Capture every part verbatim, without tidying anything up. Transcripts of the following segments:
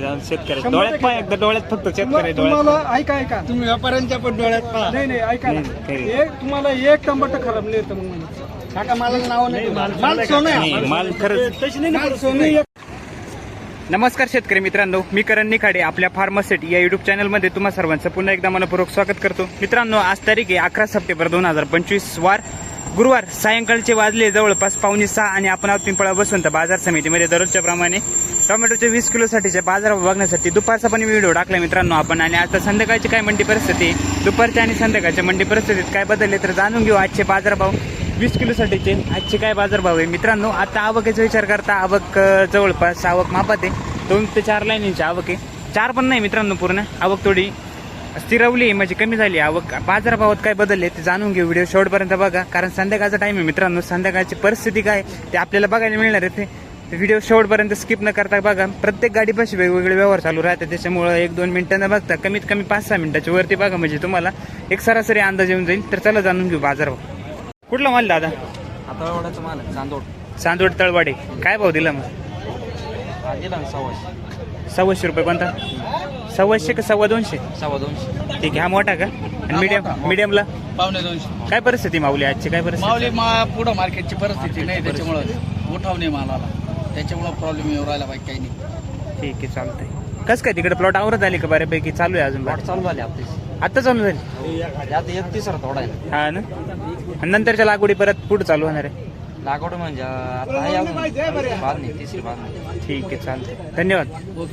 जाऊन शेतकरी डोळ्यात पाय एकदा डोळ्यात फक्त शेतकरी तुम्हाला डोळ्यात ऐका ऐका तुम्ही व्यापाऱ्यांच्या पण डोळ्यात पहा. नाही नाही ऐका ना. नाही, काही. एक तुम्हाला एक टमाटर खराब नाही येतं मग म्हणे. काका मला नाव नाही माल सोनं आहे. नाही, माल खरंच. तशी नाही ना माल करत. सोनं तुम्ही आहे. नमस्कार शेतकरी मित्रांनो, मी करण निखाडे आपल्या फार्मासेट या युट्यूब चॅनलमध्ये तुम्हा सर्वांचं पुन्हा एकदा मनपूर्वक स्वागत करतो. मित्रांनो, आज तारीख आहे अकरा सप्टेंबर दोन हजार पंचवीस वार गुरुवार. सायंकाळचे वाजले जवळपास पावणे सहा आणि आपण आहोत पिंपळा बसवंत बाजार समितीमध्ये दररोजच्या प्रमाणे टोमॅटोचे वीस किलोसाठीचे बाजार बघण्यासाठी दुपारचा पण व्हिडिओ टाकला मित्रांनो आपण. आणि आता संध्याकाळची काय मंडी परिस्थिती, दुपारच्या आणि संध्याकाळच्या मंडी परिस्थितीत काय बदलले तर जाणून घेऊ. आजचे बाजारभाव वीस किलोसाठीचे आजचे काय बाजारभाव आहे मित्रांनो. आता आवकेचा विचार करता आवक अं, जवळपास आवक मापात आहे. दोन ते चार लाईनीची आवक आहे. चार पण नाही मित्रांनो, पूर्ण आवक थोडी स्थिरवली म्हणजे कमी झाली आवक. बाजारभावात काय बदलले ते जाणून घेऊ. व्हिडिओ शेवटपर्यंत बघा, कारण संध्याकाळचा टाइम आहे मित्रांनो. संध्याकाळची परिस्थिती काय ते आपल्याला बघायला मिळणार आहे. ते व्हिडिओ शेवटपर्यंत स्किप न करता बघा. प्रत्येक गाडीपाशी वेगवेगळे व्यवहार चालू राहते, त्याच्यामुळं एक दोन मिनिटांना बघता कमीत कमी पाच सहा मिनिटाच्या वरती बघा म्हणजे तुम्हाला एक सरासरी अंदाज येऊन जाईल. तर चला जाणून घेऊ बाजारभाव. कुठला माल दादा? आता एवढाच माल आहे, चांदोड. चांदोड तळवाडे. काय भाव दिला मग? दिला सव्वाशे. सव्वाशे रुपये. कोणता? सव्वाशे का सव्वा दोनशे? सव्वा दोनशे. ठीक आहे. हा मोठा का? आणि मीडियम मीडियमला पावणे दोनशे. काय परिस्थिती माऊली आजची? काय परिस्थिती? माऊली मा पुढं मार्केटची परिस्थिती नाही, त्याच्यामुळं उठाव नाही मालाला, त्याच्यामुळं प्रॉब्लेम येऊ राहिला बाकी काही नाही. ठीक आहे, चालतंय. कसं काय तिकडे प्लॉट आवरत आली का बऱ्यापैकी? चालू आहे अजून? प्लॉट चालू झाले आपले, आता चालू झाली? आता एक तिसरा थोडा आहे. हा ना. आणि नंतरच्या लागवडी परत पुढे चालू होणार आहे? लागवड म्हणजे आता आहे अजून बाद नाही, तिसरी बाद नाही. ठीक आहे, चालतंय. धन्यवाद.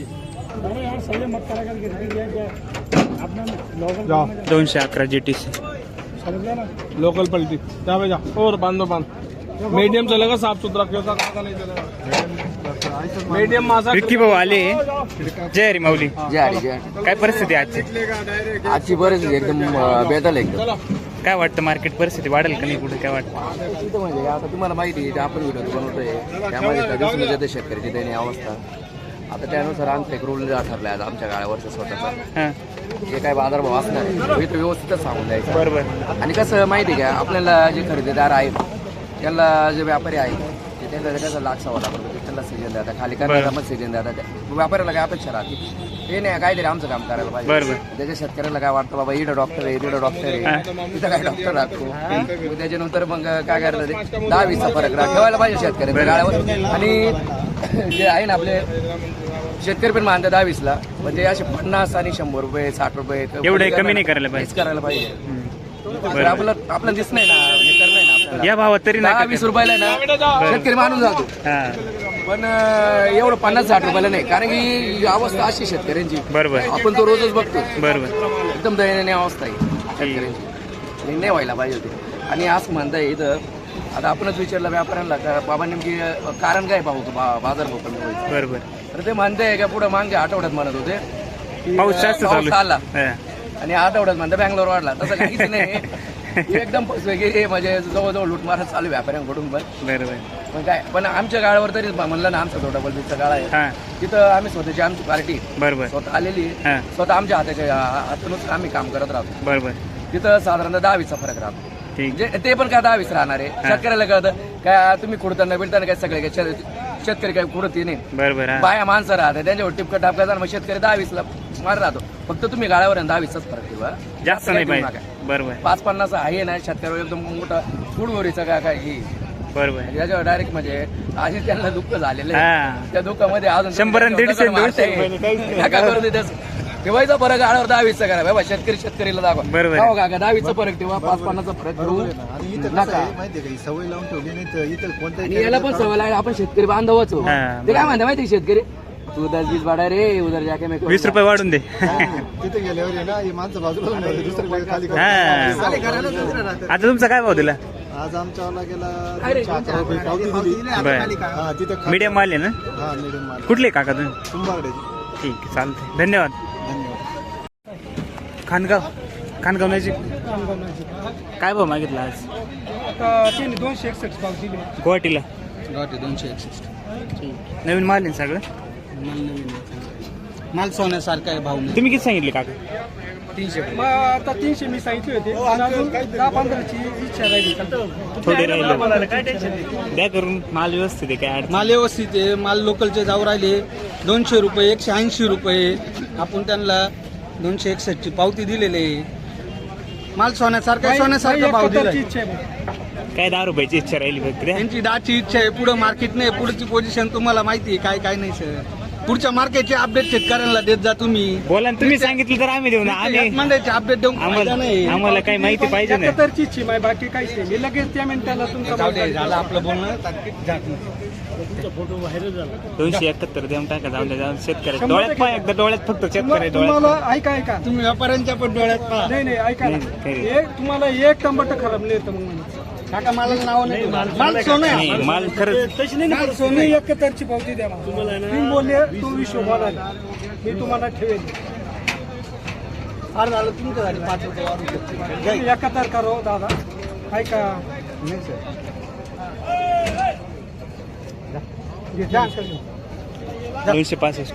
दोनशे अकरा जी टी सी लोकल पलटी जा भैया और बांधो बांध. मीडियम चलेगा, साफ सुथरा क्यों था नहीं चलेगा. मीडियम मासा विक्की भाऊ आले. जय हरी माऊली. जय हरी जय हरी. काय परिस्थिती आजची? आजची परिस्थिती एकदम बेदल एकदम. काय वाटतं मार्केट परिस्थिती वाढेल का नाही पुढे? काय वाटतं? तिथं म्हणजे आता तुम्हाला माहिती आहे, आपण व्हिडिओ बनवतोय त्यामध्ये दिसून येते शेतकऱ्याची दैनीय अवस्था. आता त्यानुसार आमचं एक रूल ठरला आहे आमच्या गाड्यावरचा स्वतःचा. हां, जे काही बाजारभाव असणार आहे तो व्यवस्थितच सांगून द्यायचा. बरोबर. आणि कसं माहिती आहे का, आपल्याला जे खरेदीदार आहेत त्यांना जे व्यापारी आहेत ते त्यांना कसं लाख सव्वा लाख रुपये त्यांना सीजन देतात, खाली करण्याला मग सीजन देतात. व्यापाऱ्याला काय अपेक्षा राहते ते नाही काहीतरी आमचं काम करायला पाहिजे. बरोबर. त्याच्या शेतकऱ्याला काय वाटतं बाबा इथं डॉक्टर आहे तिथं डॉक्टर आहे तिथं काय डॉक्टर राहतो. त्याच्यानंतर मग काय करायला ते दहा वीसचा फरक राह ठेवायला पाहिजे शेतकऱ्याच्या गाड्यावर. आणि जे आहे ना आपले शेतकरी पण मानतात दहा वीसला, पण ते असे पन्नास आणि शंभर रुपये साठ रुपये एवढे कमी नाही करायला हेच पाहिजे. करायला पाहिजे. तर आपलं आपलं दिस नाही ना, हे करणं आहे ना आपल्याला. या भावात तरी दहा नाही वीस रुपयाला आहे ना शेतकरी मानून जातो, हा, पण अं, एवढं पन्नास साठ रुपयाला नाही. कारण की ही अवस्था अशी शेतकऱ्यांची बरोबर आपण तो रोजच बघतो. बरोबर. एकदम दयनीय अवस्था आहे शेतकऱ्यांची. आणि नाही व्हायला पाहिजे होती. आणि असं म्हणताय इथं आता आपणच विचारलं व्यापाऱ्यांना का बाबा नेमकी कारण काय पाहू बाजार भाव कमी व्हायचं. बरोबर. तर ते म्हणताय का पुढे मागच्या आठवड्यात म्हणत होते की, पाऊस जास्त पाऊस चालू आला आहे. आणि आठवड्यात म्हणता बँगलोर वाढला. तसं काहीच नाही. हे एकदम फसवेगिरी म्हणजे जवळजवळ लुटमार चालू आहे व्यापाऱ्यांकडून पण. बरोबर. पण काय पण आमच्या गाळावर तरी म्हणलं ना, आमचा छोटा बलबीचा गाळा आहे हा, तिथं आम्ही स्वतःची आमची पार्टी बरोबर. स्वतः आलेली आहे. हा, स्वतः आमच्या हाताच्या हातूनच आम्ही काम करत राहतो. बरोबर. तिथं साधारणतः दहा वीसचा फरक राहतो. ठीक. म्हणजे ते पण काय दहा वीस राहणार आहे. शेतकऱ्याला कळतं काय तुम्ही कुडताना बिडताना काय सगळे काय शेत- शेतकरी काय कुडत नाही. बरोबर. हा, बाया माणसं राहतात त्यांच्यावर टिपकं टापका जाणार, मग शेतकरी दहा वीसला मार राहतो. फक्त तुम्ही गाळ्यावर दहा वीसचाच फरक ठेवा, जास्त नाही ठेवू पाहिजे. नका. बरोबर. पाच पन्नास आहे ना शेतकऱ्यावर एकदम मोठा फुडवरीचा काय काय ही बरोबर. याच्यावर डायरेक्ट म्हणजे आधी त्यांना दुःख झालेलं हा. आहे. त्या दुःखामध्ये अजून शंभर आणि दीडशे दगड मारताय. नका करू दे तसं. ठेवायचा फरक गाड्यावर दहा वीसचा करा बाबा, शेतकरी शेतकरीला दाखवा. बरोबर. हो काका दहा वीसचा फरक ठेवा, पाच पन्नासचा फरक ठेवू नका. माहितीये का सवय लावून ठेवली नाही तर इथं आणि कोणत्याही याला पण सवय लागली, आपण शेतकरी बांधवच हो. हा, ते काय म्हणता माहिती शेतकरी, तू दस वीस वाडा रे उधर जाके मैं वीस रुपये वाढून दे. तिथे गेल्यावर आहे ना ही माणसं बाजूला होऊन जाते, दुसरीकडे खाली करून. हा. खाली करायला दुसरं राहतं. आता तुमचा काय भाव दिला? आज आमच्यावाला गेला दोनशे अकरा रुपये पावती दिली. बरं. हा तिथे खा- मीडियम माल आहे ना? हा मीडियम माल कुठले काका तुम्ही? कुंभारड्याची. ठीक आहे, चालतंय. धन्यवाद. धन्यवाद. खानगाव खानगाव नजीक काय भाव मागितला आज? आता त्यांनी दोनशे एकसष्ट पाव दिले. गुवाहाटीला दोनशे एकसष्ट. नवीन माल आहे ना सगळं? माल सोन्यासारखा आहे भाऊ. तुम्ही किती सांगितले काका? मग आता तीनशे मी सांगितले होते आणि अजून दहा पंधराची इच्छा राहिली. थोडे राहिले द्या करून. माल व्यवस्थित आहे काय अडचण? माल व्यवस्थित आहे. माल लोकलचे जाऊ राहिले दोनशे रुपये एकशे ऐंशी रुपये. आपण त्यांना दोनशे एकसष्टची पावती दिलेली आहे. माल सोन्यासारखा आहे, सोन्यासारखा भाव दिला. इच्छा आहे. काय दहा रुपयाची इच्छा राहिली फक्त द्या. त्यांची दहाची इच्छा आहे. पुढे मार्केट नाही, पुढची पोझिशन तुम्हाला माहिती आहे काय काय नाही सर. पुढच्या मार्केटचे अपडेट शेतकऱ्यांना देत जा तुम्ही. बोला ना, तुम्ही सांगितलं तर आम्ही देऊ ना. आम्ही मंडळाचे अपडेट देऊन फायदा आम्हाला नाही. आम्हाला काही माहिती पाहिजे ना. एकाहत्तरची इच्छा आहे माझी, बाकी काहीच नाही. मी लगेच त्या मिनिटाला तुमचा जाऊ माल दे, झालं आपलं बोलणं. दोनशे एकाहत्तर देऊन टाका. जाऊन द्या, जाऊन शेतकऱ्याच्या डोळ्यात पहा एकदा. डोळ्यात फक्त शेतकरी डोळ्यात तुम्हाला ऐका ऐका तुम्ही व्यापाऱ्यांच्या पण डोळ्यात पहा. नाही नाही ऐका ना. नाही, काही एक तुम्हाला एक टमाटर खराब नाही येतं मग म्हणे. काका मला नाव नाही. माल सोनं आहे. नाही. माल खरंच माल सोनं एकाहत्तरची पावती द्या मला. तुम्ही बोलले तू विश्व बोला, मी तुम्हाला ठेवेल. फार झालं तुमचं झालं पाच रुपये वाढून शकते. तुम्ही एकाहत्तर करो दादा. ऐका नाही सर. दोनशे पासष्ट.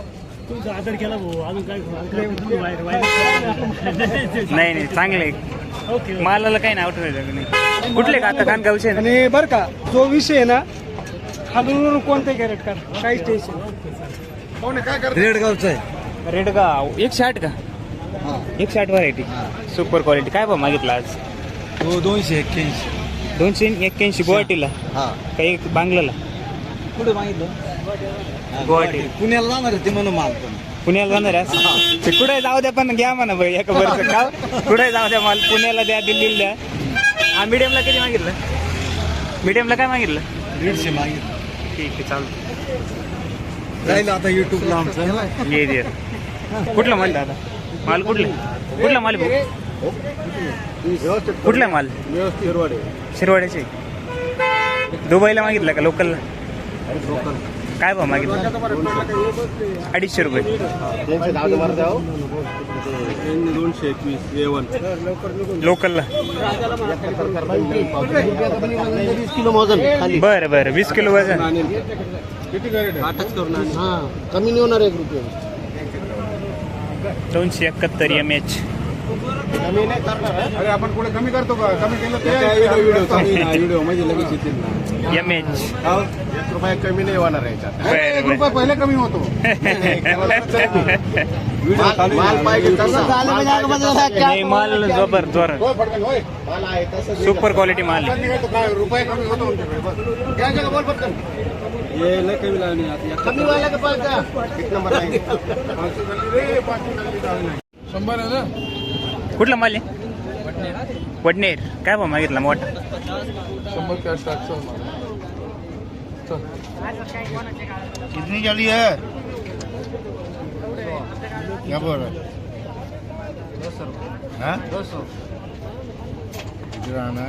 नाही नाही चांगले मालाला काही नाव ठेवायचं नाही. कुठले का आता खानगावचे ना? आणि बरं का जो विषय आहे ना, खालून कोणते कॅरेट कर काही टेन्शन. रेडगावचं आहे. रेडगाव एकशे आठ का? एकशे आठ व्हरायटी सुपर क्वालिटी. काय भाव मागितला आज? हो दोनशे एक्क्याऐंशी. दोनशे एक्क्याऐंशी. गुवाहाटीला हा काही बांगलाला? कुठे मागितलं? गुवाहाटी. पुण्याला जाणार होते म्हणून माल पण. पुण्याला जाणार आहे असं? ते कुठे जाऊ द्या पण घ्या म्हणा भाई एका वर्ष का. कुठे जाऊ द्या माल. पुण्याला द्या, दिल्लीला द्या. हा मीडियमला किती मागितलं? मीडियमला काय मागितलं? दीडशे मागितलं. ठीक आहे चालतं. राहिलं आता युट्यूबला आमचं. ये दे. कुठला माल दादा? माल कुठला? कुठला माल भाऊ? कुठला माल? शिरवाड्याचे. दुबईला मागितला का लोकलला? काय भाव मागितलं? अडीचशे रुपये. दोनशे एकवीस एवन लोकलला. वीस किलो मोजन खाली. बरं बरं. वीस किलो वजन. आठच करून आणि हा कमी नाही होणार एक रुपये. दोनशे एकाहत्तर एम एच. कमी नाही करणार. अरे आपण कुठे कमी करतो का? कमी केलं ते व्हिडिओ व्हिडिओ म्हणजे लगेच येतील ना. M H. एक रुपये कमी नाही होणार याच्यात. बरं बरं. रुपये पहिले कमी होतो. माल पाहिजे तसा. नाही माल जोबर जोर. माल आहे तसं. सुपर क्वालिटी माल आहे. रुपये कमी होतो. बोल पटकन. ये लय कमी लागली आता. कमी व्हायला का पाहिजे? एक नंबर आहे. शंभर आहे ना. कुठला माल आहे? वडनेर. काय भाव मागितला मोठा? शंभर का सातशे. कितनी जली है? क्या बोल रहा है? दो सौ इधर आना.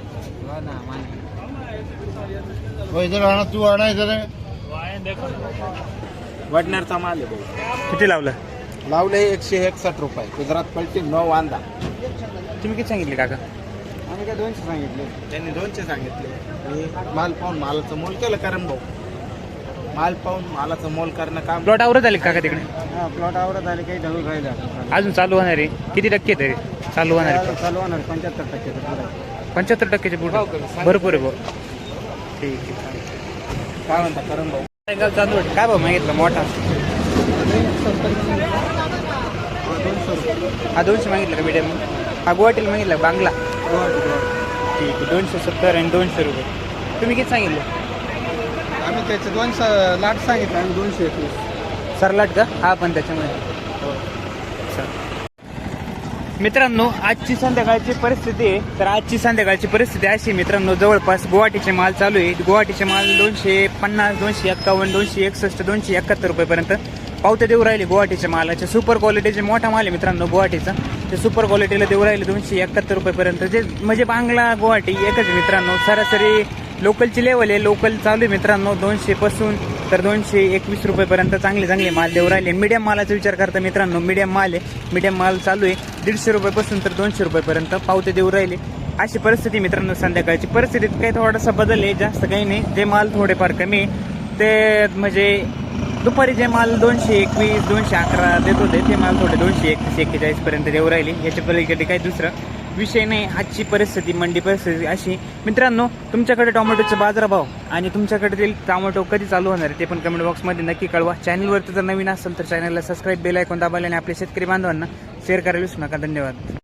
वो इधर आना. तू आना इधर. वडनेरचा माल आहे भाऊ. किती लावलं? लावले एकशे एकसष्ट रुपये. गुजरात पलटी नऊ वांदा. तुम्ही किती सांगितले काका? आम्ही काय दोनशे सांगितले. त्यांनी दोनशे सांगितले. मी माल पाहून मालाचं मोल केलं कारण भाऊ. माल पाहून मालाचं मोल करणं काम. प्लॉट आवरत आले काका तिकडे? हा प्लॉट आवडत आले काही ढळून राहिलं. अजून चालू होणार आहे? किती टक्के तरी चालू होणार आहे? चालू होणार पंच्याहत्तर टक्के. पंच्याहत्तर टक्क्याचे पुढे भरपूर आहे भाऊ. ठीक आहे. काय म्हणता करण भाऊ? चांदवड. काय भाव मागितला मोठा? हा दोनशे मागितलं का मीडियम? हा गुवाहाटीला मागितला बांगला. ठीक आहे. दोनशे सत्तर आणि दोनशे रुपये. तुम्ही किती सांगितलं? आम्ही त्याचे दोनशे लाट सांगितलं. आम्ही दोनशे एकवीस. सरलाट का? हा पण त्याच्यामध्ये. मित्रांनो आजची संध्याकाळची परिस्थिती आहे. तर आजची संध्याकाळची परिस्थिती अशी मित्रांनो, जवळपास गुवाहाटीचे माल चालू आहे. गुवाहाटीचे माल दोनशे पन्नास, दोनशे एक्कावन्न, दोनशे एकसष्ट, दोनशे एकाहत्तर रुपयेपर्यंत पावते देऊ राहिले गुवाहाटीच्या मालाचे. सुपर क्वालिटीचे मोठा माल आहे मित्रांनो गुवाहाटीचा. ते सुपर क्वालिटीला देऊ राहिले दोनशे एकाहत्तर रुपयेपर्यंत. जे म्हणजे बांगला गुवाहाटी एकच आहे मित्रांनो. सरासरी लोकलची लेवल आहे. लोकल चालू आहे मित्रांनो दोनशे पासून तर दोनशे एकवीस रुपयेपर्यंत चांगले चांगले माल देऊ राहिले. मीडियम मालाचा विचार करता मित्रांनो, मीडियम माल आहे. मीडियम माल चालू आहे दीडशे रुपयापासून तर दोनशे रुपयेपर्यंत पावते देऊ राहिले. अशी परिस्थिती मित्रांनो संध्याकाळची. परिस्थितीत काही थोडासा बदल आहे, जास्त काही नाही. जे माल थोडेफार कमी आहे ते म्हणजे दुपारी जे माल दोनशे एकवीस दोनशे अकरा देत होते ते माल थोडे दोनशे एकतीस एक्केचाळीस पर्यंत देऊ राहिले. याच्या पलीकडे काही दुसरं विषय नाही. आजची परिस्थिती मंडी परिस्थिती अशी. मित्रांनो, तुमच्याकडे टोमॅटोचे बाजारभाव आणि तुमच्याकडे टोमॅटो कधी चालू होणार आहे ते पण कमेंट बॉक्समध्ये नक्की कळवा. चॅनलवरती जर नवीन असेल तर चॅनलला सबस्क्राईब, बेल आयकॉन दाबायला आणि आपल्या शेतकरी बांधवांना शेअर करायला विसरू नका. धन्यवाद.